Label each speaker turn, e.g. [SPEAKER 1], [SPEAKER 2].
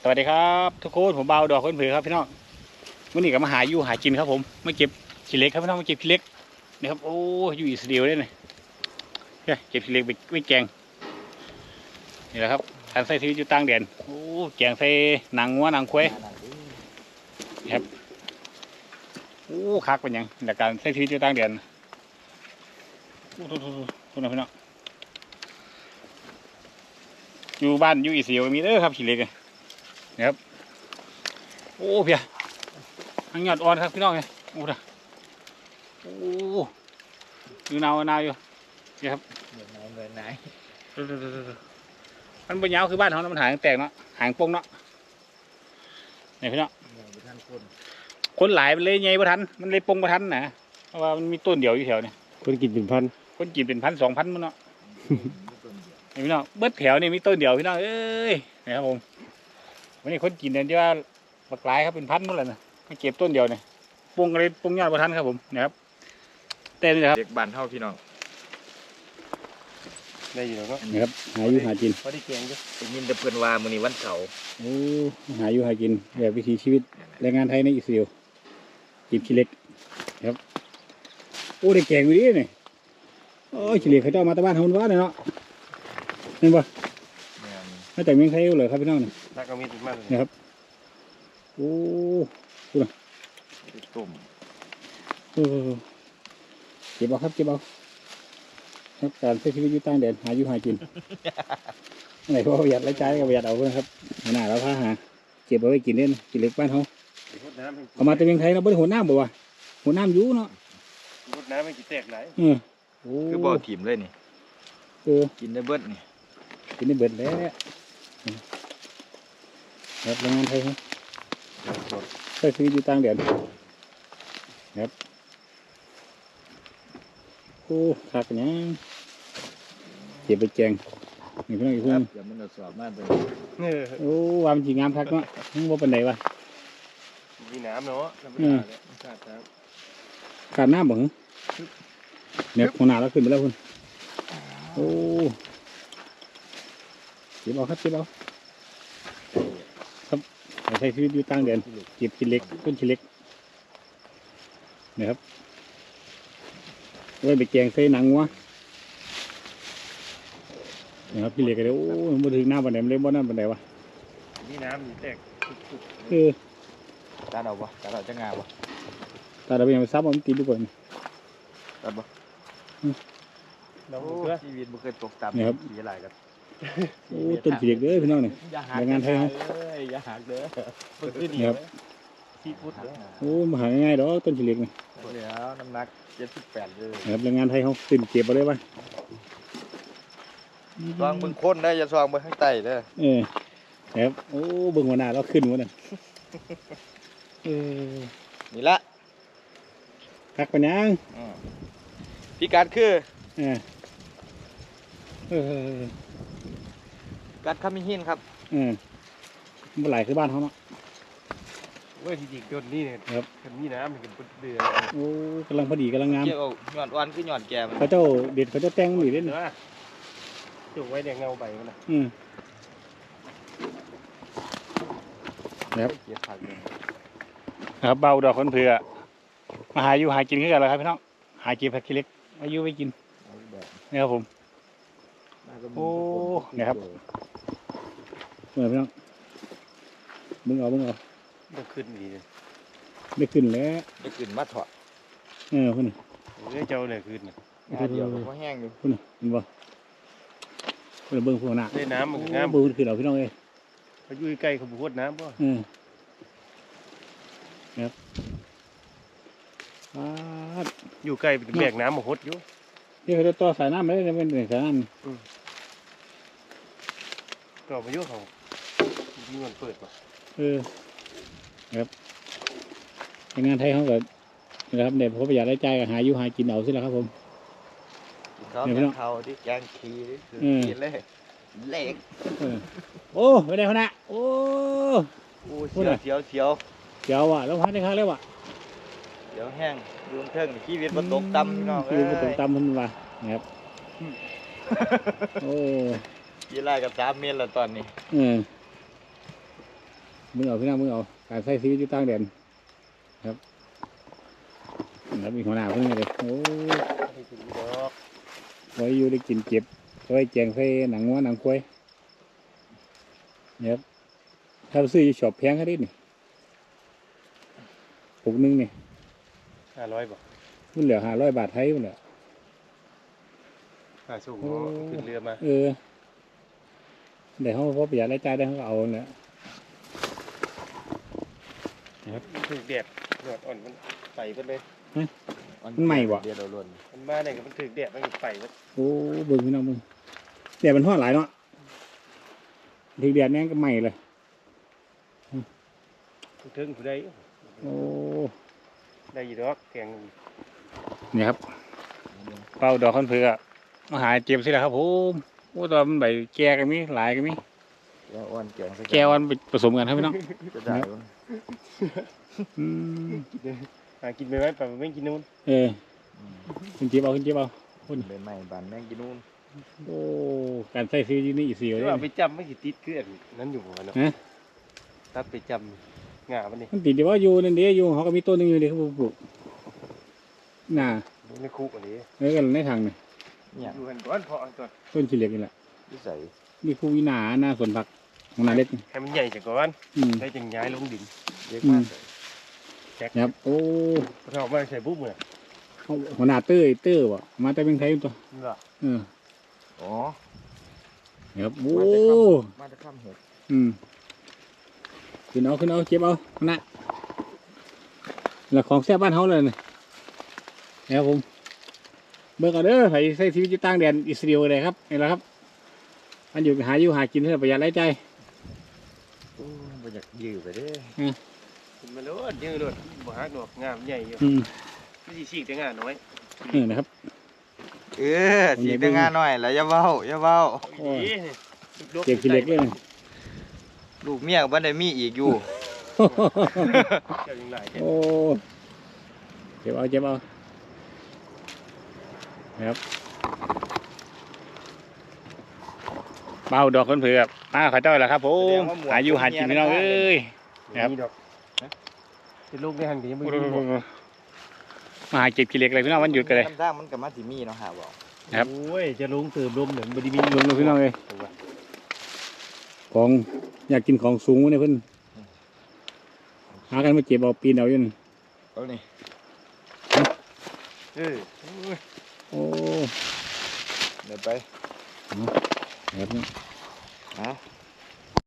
[SPEAKER 1] สวัสดีครับทุกคนผมเบาดอกคนเผือครับพี่น้องวันนี้ก็มาหาอยู่หากินครับผมมาเก็บขี้เหล็กครับพี่น้องมาเก็บขี้เหล็กนี่ครับโอ้อยู่อิสราเอลเลยเนี่ยเก็บขี้เหล็กไปแกงนี่แหละครับการใส่ชีวิตอยู่ต่างแดนโอ้แกงใส่หนังวัวหนังควายครับโอ้คักเป็นยังแต่การใส่ชีวิตอยู่ต่างแดนโอ้ทุกพี่น้องอยู่บ้านอยู่อิสราเอลมีเด้อครับขี้เหล็กนะครับโอ้เพียทั้งยอดอ่อนครับพี่น้องเลยโอ้ด่ะโอ้อยู่หนาวอยู่นี่ครับ
[SPEAKER 2] เหมือนไหน
[SPEAKER 1] มันเป็นยาวคือบ้านเขามันหางแตกเนาะหางปงเนาะนี่พี่น้องคนหลายมันเลยไงบ่ทันมันเลยปงบ่ทันนะเพราะว่ามันมีต้นเดียวอยู่แถวนี่
[SPEAKER 3] คนกินเป็นพัน
[SPEAKER 1] คนกินเป็น1,000 2,000มันเนาะนี่พี่น้องเบิดแถวนี่มีต้นเดียวพี่น้องเอ้ยนี่ครับผมวันนี้คนกินเนี่ยที่ว่าบักหลายครับเป็นพันหมดเลยนะมาเก็บต้นเดียวเนี่ยปงอะไรปงยอดบ่ทันครับผมนะครับเต้นเลยครับ
[SPEAKER 2] เด็กบ้านเท่าพี่น้อง
[SPEAKER 3] ได้อยู่แล้วก็
[SPEAKER 1] นี่ครับหาอยู่หากิน
[SPEAKER 3] พอได้เกียงด้วย
[SPEAKER 2] ได้ยินแต่เพื่อนว่ามื้อนี้วันเสาร์
[SPEAKER 1] โอ้หาอยู่หากินแบบวิถีชีวิตแรงงานไทยในอิสราเอลกินขี้เหล็กครับโอ้ได้แกงอยู่ดิเนี่ยโอ้ขี้เหล็กเขาเจ้ามาตะบ้านเฮาว่าเลยเนาะเห็นปะมาจากเมืองไทยเลยครับพี่น้องเนี่ย
[SPEAKER 3] น่าก็มีติดมากเลย
[SPEAKER 1] นะครับโอ้ดูนะ
[SPEAKER 2] ตุ่ม
[SPEAKER 1] เก็บเอาครับเก็บเอาครับการใช้ชีวิตอยู่ต่างแดนหาอยู่หากินอะไรเพราะประหยัดรายจ่ายก็ประหยัดเอาเพื่อนครับหน้าเราพาหาเก็บเอาไว้กินเล่นกินเล็กบ้านเขาเอามาจากเมืองไทยเราไม่ได้หัวน้ำบ่วะหัวน้ำยูเนาะ
[SPEAKER 3] รดน้ำไม่กี่แตกไหล
[SPEAKER 2] คือบ่อถิ่มเลยนี่กินได้เบิดนี่
[SPEAKER 1] กินได้เบิดแล้วครับแรงงานไทยครับใช้ชีวิตอยู่ต่างแดนครับโอ้ขาดกันยังเก็บไปแกงนี่พี่น้องอีกคน
[SPEAKER 2] อย่ามันสอบมากเลย
[SPEAKER 1] โอ้วามจีงามทักเนาะมึงว่าเป็นไหนวะ
[SPEAKER 3] มีน้ำเนาะ
[SPEAKER 1] ขาดน้ำบ่เหรอเนี่ยหัวหน้าเราขึ้นไปแล้วคุณโอ้เก็บเอาครับเก็บเอาครับใช้ชีวิตอยู่ต่างแดนเก็บชิ้นเล็กต้นชิ้นเล็กนะครับไว้ไปแกงใส่หนังวะนะครับพี่เล็กก็เลยโอ้มาถึงหน้าบันไดมันเลยบ่หน้าบันไดวะ
[SPEAKER 3] มีน้ำมีแตก
[SPEAKER 2] ตาเราปะตาเราจะงาปะ
[SPEAKER 1] ตาเราไปยังไปซับมันกินดีกว่า
[SPEAKER 2] ตัดปะ
[SPEAKER 3] เรา
[SPEAKER 2] ชีวิตมันเคยตกต่ำสีอะไรกัน
[SPEAKER 1] โอ้ต้นพี่เล็กเด้อพี่น้องเนี่ยแรงงานไทยเขา
[SPEAKER 2] อย่าหักเด้อ
[SPEAKER 1] ครับ
[SPEAKER 3] ที่พุทธ
[SPEAKER 1] โอ้มาหาง่ายๆดอกต้นพี่เล็กเนี่ย
[SPEAKER 2] เดี๋ยวน้ำหนัก78เลย
[SPEAKER 1] ครับแรงงานไทยเขาตื่นเก็บมาเลยป่ะ
[SPEAKER 2] ซองเบิ่งคนได้อย่าซองเบิ่งข้างใต้เด้อ
[SPEAKER 1] ครับโอ้เบิ่งหัวหน้าเราขึ้นหมดเลย
[SPEAKER 2] นี่ละ
[SPEAKER 1] คักปัญญา
[SPEAKER 2] พิกัดคือกัดขมิ้นหินครับ
[SPEAKER 1] เมื่อไหร่คือบ้านเขาเนาะ
[SPEAKER 3] เว้ยจริงๆต้นนี้เนี่ย
[SPEAKER 1] ครับ
[SPEAKER 3] มีน้ำมันเป็นเดือด
[SPEAKER 1] โอ้กำลังพอดีกำลังงาม
[SPEAKER 2] เกี่ยวหย่อนอ่อนคือหย่อนแก่
[SPEAKER 1] เขาเจ้าเด็ดเขาเจ้าแตงหนีเล่น
[SPEAKER 3] จุกไว้แดงเงาใบมัน
[SPEAKER 1] นะครับเบาดอกคนเผื่อมาหาอยู่หากินขึ้นกันเลยครับพี่น้องหาเก็บผักขี้เล็กอายุไว้กินนี่ครับผมโอ้เนี่ยครับเมื่อพี่น้องมึงเอา
[SPEAKER 3] ได้ขึ้นดีเลย
[SPEAKER 1] ได้ขึ้นแล้ว
[SPEAKER 2] ได้ขึ้นมาถอด
[SPEAKER 1] คุณ
[SPEAKER 3] เจ้าเลยขึ้น
[SPEAKER 2] เดียวก็แห้งอยู่
[SPEAKER 1] คุณเห็นบ่คุณเบิ้งพวกน่ะ
[SPEAKER 3] ได้น้ำมันน้ำ
[SPEAKER 1] เบิ้งขึ้นเอาพี่น้องเอ้ย
[SPEAKER 3] เขาอยู่ใกล้เขาพูดน้ำป่ะ
[SPEAKER 1] ครับ
[SPEAKER 3] อยู่ใกล้เป็นแบกน้ำมาหดอยู่
[SPEAKER 1] นี่เขาจะต่อสายน้ำไม่ได้เป็นสายน้ำ
[SPEAKER 3] ต่อมาเยอะเขามีเงินเปิดป่ะ
[SPEAKER 1] ครับงานไทยเขาก็นะครับเด็กเขาประหยัดรายจ่ายก็หาอยู่หากินเอาสิแล้วครับผม
[SPEAKER 2] เขาแกงเขาที่แกงขี้กินเลยเล็ก
[SPEAKER 1] โอ้ไม่ได้เขานะโอ้
[SPEAKER 2] เสียว
[SPEAKER 1] ว่ะแล้วพักได้ครั้งแล้วว่ะ
[SPEAKER 2] เดี๋ยวแห้งดูเทิงชีวิตมันตกต่ำพี่น้อง
[SPEAKER 1] ชีวิตมันตกต่ำมันว่ะนะครับโอ้
[SPEAKER 2] กี่ไร่กับ3 เมตรแล้วตอนนี้
[SPEAKER 1] มึงเอาพี่น้องมึงเอาการใช้ชีวิตอยู่ต่างแดนครับแล้วมีหัวหน้าเพิ่งเลยโอ้
[SPEAKER 3] ให้กินดอก
[SPEAKER 1] ไว้อยู่ได้กินเจ็บไว้แจงใส่หนังวัวหนังควายเนี่ยครับถ้าซื้ออยู่ช็อปแพงแค่นี้นี่ปุกนึงนี่
[SPEAKER 3] 500บ่
[SPEAKER 1] มันเหลือ500 บาทไทยมันเหลือ
[SPEAKER 3] ค่าส่งขึ้นเรือมา
[SPEAKER 1] เดี๋ยวเขาพอประหยัดรายจ่ายได้เขาก็เอาเนี่ย
[SPEAKER 3] ถึกแดดยอดอ่อนมันไปเบิดเลย
[SPEAKER 1] มันใหม่บ่
[SPEAKER 2] เดียวเราล้วน
[SPEAKER 3] มันมาเนี่ยก็มันถึกแดดมันไปเบิด
[SPEAKER 1] โอ้เบิ่งพี่น้องเบิ่งแต่มันทอดหลายเนาะถึงเดือนนี้ก็ใหม่เลย
[SPEAKER 3] ถึงผู้ใด
[SPEAKER 1] โอ้
[SPEAKER 3] ได้อยู่ดอกแกง
[SPEAKER 1] เนี่ยครับเป่าดอกคอนเผือกมาหาเจ็บสิแหละครับผมโอ้ตอนมันใบแก่กันมีหลายกันมี
[SPEAKER 2] แล้วอ้วนแกงใส่
[SPEAKER 1] แก่วันผสมกันครับพี่น้อง
[SPEAKER 2] จะได้บ่
[SPEAKER 1] อืม
[SPEAKER 3] หากินไปไว้ไปไม่กินนู่น
[SPEAKER 1] ขึ้นเจ็บเอาขึ้นเจ็บเอา
[SPEAKER 2] เป็นใหม่บานแมงกินนู่น
[SPEAKER 1] โอ้การใส่ซื้อนี่อีกสี่เลย
[SPEAKER 3] ว่าไปจำไม่กี่ติดคืออันนั้นอยู่หัวเนาะถ้าไปจำงามันนี่
[SPEAKER 1] มันติดเดี๋ยวว่าอยู่นั่นเดียวอยู่เขาก็มีต้นหนึงอยู่เดียวเขาปลูกน่ะ
[SPEAKER 3] ในคุกอันนี้
[SPEAKER 1] แล้วกันในทางนี่
[SPEAKER 2] เนี่ย
[SPEAKER 3] อยู่กันก่อนพอก่อน
[SPEAKER 1] ต้นขี้เหล็กนี่แหละ
[SPEAKER 2] นิสัย
[SPEAKER 1] มีคู่วินาหน้าสวนผักของนาเล็ก
[SPEAKER 3] ให้มันใหญ่จากก่อน
[SPEAKER 1] อืม
[SPEAKER 3] ได้จังย้ายลงดิน
[SPEAKER 2] เยอะมากเลย
[SPEAKER 3] แจ็ค
[SPEAKER 1] ครับโอ้
[SPEAKER 3] เราเอามาใส่บุ๊บเลย
[SPEAKER 1] หัวหน้าเต้อวะมาแต่เป็นไทยตัว
[SPEAKER 3] นี่เหรอ
[SPEAKER 2] อ๋อ
[SPEAKER 1] ครับโอ้
[SPEAKER 2] มาจะข้ามเห็ด
[SPEAKER 1] ขึ้นเอาเก็บเอานะแล้วของแซ่บบ้านเขาเลยนี่ครับผมเบิกเอาเด้อใส่ใช้ชีวิตอยู่ต่างแดนอิสราเอลเลยครับนี่แหละครับมันอยู่หากินเพื่อประหยัดรายจ่าย
[SPEAKER 2] โอ้บ่อยากยื้อไปเด้
[SPEAKER 3] ขึ้นมาโลดยืดโลดบ่ฮักดอกงามใหญ่อยู่ไม่ใช่ฉีกแต่งาน้อย
[SPEAKER 1] นะครับ
[SPEAKER 2] สีแต่งานหน่อยแล้วอย่าเว้าอย่าเว้า
[SPEAKER 1] เก็บขี้เหล็กเลยนะ
[SPEAKER 2] ลูกเมียบ่ได้มีอีกอยู่
[SPEAKER 3] เจ้ายังหลาย
[SPEAKER 1] โอ้เก็บเอานะครับเบาดอกคนเผือกมาขอเจ้าแหละครับผมหาอยู่หากินพี่น้องเอ้ย ครับ
[SPEAKER 3] นี่ดอกเป็นลูกได้หันดีมึง
[SPEAKER 1] มาหาเก็บขี้เหล็กเลยพี่น้องวันหยุดกันเลย
[SPEAKER 2] น้ำด่างมันก็มาสิมีเนาะหาบ่
[SPEAKER 1] ครับ
[SPEAKER 3] โอ้ยจะลงเติมลมเนี่ยบไดีมี
[SPEAKER 1] ลงพี่น้องเลยของอยากกินของสูงเนี่ยเพิ่นหากันมาเก็บเอาปีนเอาอยู่นั่น
[SPEAKER 2] เอานี่
[SPEAKER 1] โอ้
[SPEAKER 2] เดี๋ยวไป
[SPEAKER 1] แบบนี้
[SPEAKER 2] ฮะ